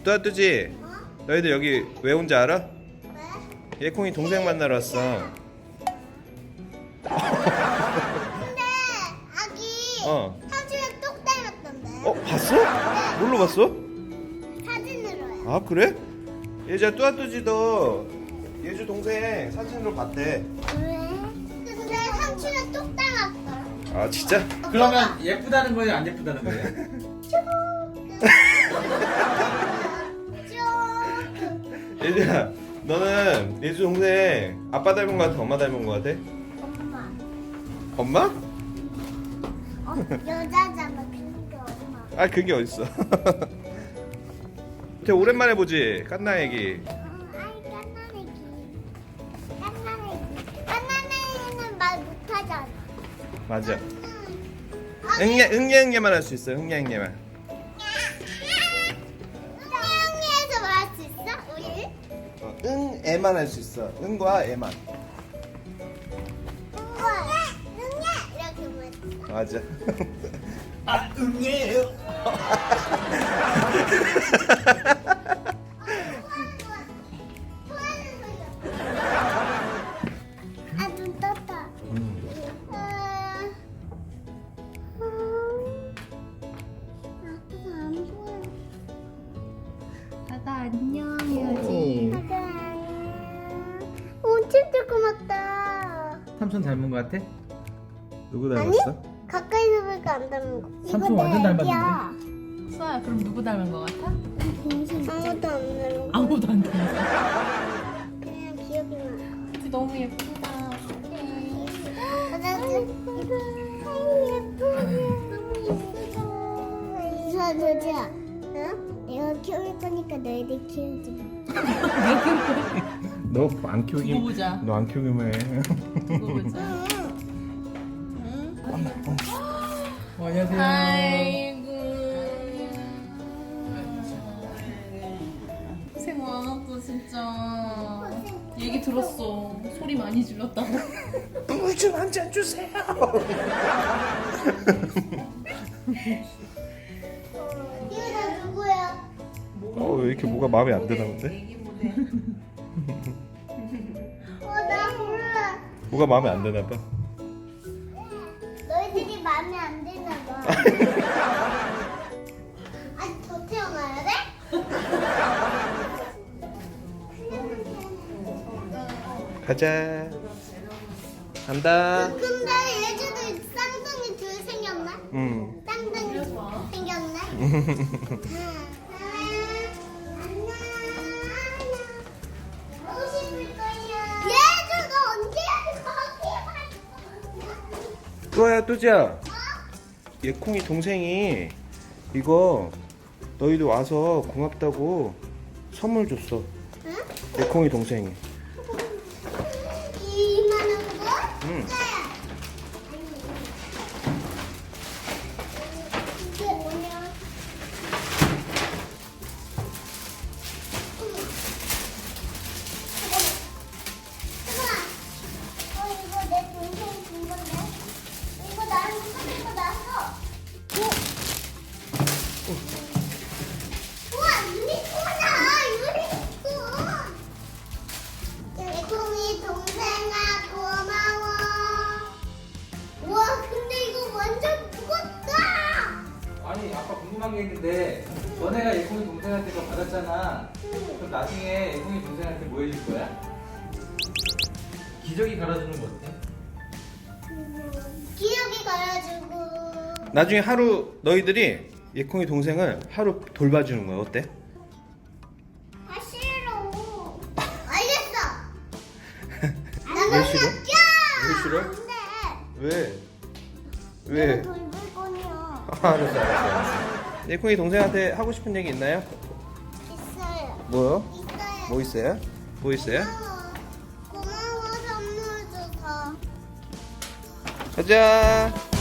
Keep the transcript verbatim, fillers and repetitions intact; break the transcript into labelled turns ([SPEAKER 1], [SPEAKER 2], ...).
[SPEAKER 1] 뚜아뚜지,
[SPEAKER 2] 어?
[SPEAKER 1] 너희들 여기 왜 온지 알아?
[SPEAKER 2] 왜?
[SPEAKER 1] 예콩이 동생 만나러 왔어.
[SPEAKER 2] 근데 아기
[SPEAKER 1] 어.
[SPEAKER 2] 삼촌이랑 똑 닮았던데.
[SPEAKER 1] 어, 봤어? 뭘로 봤어?
[SPEAKER 2] 사진으로요.
[SPEAKER 1] 아, 그래? 예지야, 뚜아뚜지도 예주 동생 사진으로 봤대.
[SPEAKER 2] 왜? 근데 삼촌이랑 똑 닮았어.
[SPEAKER 1] 아, 진짜?
[SPEAKER 3] 그러면 예쁘다는 거예요, 안 예쁘다는 거예요?
[SPEAKER 2] 조금.
[SPEAKER 1] 예지야, 너는 예주 동생 아빠 닮은 거 같아? 엄마 닮은 거 같아?
[SPEAKER 2] 엄마.
[SPEAKER 1] 엄마?
[SPEAKER 2] 어, 여자잖아. 근데 엄마.
[SPEAKER 1] 아, 그게 어딨어. 되게 오랜만에 보지, 깐나 얘기.
[SPEAKER 2] 어, 아이 깐나내기. 깐나내기. 깐나내기는 말 못하잖아.
[SPEAKER 1] 맞아.
[SPEAKER 2] 응.
[SPEAKER 1] 응애, 응애, 응애만 할 수 있어, 응애, 응애만.
[SPEAKER 2] 태영이에서 말할 수 있어? 우리?
[SPEAKER 1] 어, 응, 애만 할 수 있어. 응과 애만.
[SPEAKER 2] 응애! 응애! 이렇게 말했어.
[SPEAKER 1] 맞아.
[SPEAKER 3] 아, 응애예요.
[SPEAKER 2] 아, 눈 떴다.
[SPEAKER 1] 음.
[SPEAKER 2] 아, 아빠가 안 보여.
[SPEAKER 4] 다다 안녕 해야지.
[SPEAKER 2] 아빠 안녕. 엄청 조그맣다.
[SPEAKER 3] 삼촌 닮은 거 같아?
[SPEAKER 1] 누구
[SPEAKER 2] 아니? 가까이서 보니까 안 닮은 거.
[SPEAKER 3] 삼촌
[SPEAKER 2] 이거
[SPEAKER 3] 완전
[SPEAKER 2] 내
[SPEAKER 3] 닮았는데?
[SPEAKER 2] 애기야.
[SPEAKER 4] 수아야 그럼 누구 닮은 거 같아?
[SPEAKER 2] 아무도 안 닮은 거.
[SPEAKER 4] 아무도 안 닮았어.
[SPEAKER 2] 그냥 기억이 나.
[SPEAKER 4] 너무 예쁘다.
[SPEAKER 2] 가자, 예뻐. 저, 저지야. 응? 내가 키울 거니까 너희들 키우지 마.
[SPEAKER 1] 너 안
[SPEAKER 4] 두고
[SPEAKER 1] 키우기,
[SPEAKER 4] 보자.
[SPEAKER 1] 너 안 키우기만 해.
[SPEAKER 4] 두고 보자.
[SPEAKER 2] 응.
[SPEAKER 3] 어, 안녕하세요.
[SPEAKER 4] 아이고. 고생 많았어 진짜. 얘기 들었어. 소리 많이 질렀다고.
[SPEAKER 1] 물 좀 한 잔 주세요.
[SPEAKER 2] 이거 다 누구야?
[SPEAKER 1] 어, 왜 이렇게 뭐가 마음에 안 드나 본데?
[SPEAKER 2] 어, 나 몰라.
[SPEAKER 1] 뭐가 마음에 안 드나 봐.
[SPEAKER 2] 너희들이 마음에 안 드나 봐. 아직 더 태어나야 돼?
[SPEAKER 1] 가자. 간다.
[SPEAKER 2] 근데 예주도 쌍둥이 둘 생겼네?
[SPEAKER 1] 응.
[SPEAKER 2] 쌍둥이 생겼네? 안녕. 보고 싶을 거야. 예주 너 언제 거기에 갔어?
[SPEAKER 1] 뚜아야, 뚜지야. 예콩이 동생이 이거 너희도 와서 고맙다고 선물 줬어.
[SPEAKER 2] 응?
[SPEAKER 1] 예콩이 동생이.
[SPEAKER 2] 이만한 거?
[SPEAKER 1] 응.
[SPEAKER 2] 이게 뭐냐? 잠깐만. 어, 이거 내 동생이 준 건데? 이거 나랑 사는 거 나왔어. 우와, 유니콘이다! 유니콘! 예콩이 동생아 고마워. 우와, 근데 이거 완전 무겁다!
[SPEAKER 3] 아니, 아까 궁금한 게 있는데 너네가 예콩이 동생한테 그거 받았잖아. 그럼 나중에 예콩이 동생한테 뭐 해줄 거야? 기저귀 갈아주는 거 어때?
[SPEAKER 2] 기억이 가가지고.
[SPEAKER 1] 나중에 하루 너희들이 예콩이 동생을 하루 돌봐주는 거야. 어때?
[SPEAKER 2] 아, 싫어. 알겠어.
[SPEAKER 1] 왜 싫어?
[SPEAKER 2] 야!
[SPEAKER 1] 왜 싫어?
[SPEAKER 2] 안 돼.
[SPEAKER 1] 왜?
[SPEAKER 2] 내가
[SPEAKER 1] 왜?
[SPEAKER 2] 돌볼 거냐.
[SPEAKER 1] 알았어, 알았어, 알았어. 예콩이 동생한테 하고 싶은 얘기 있나요?
[SPEAKER 2] 있어요.
[SPEAKER 1] 뭐요?
[SPEAKER 2] 있어요.
[SPEAKER 1] 뭐 있어요? 뭐 있어요?
[SPEAKER 2] 고마워. 고마워, 선물 줘서.
[SPEAKER 1] 가자.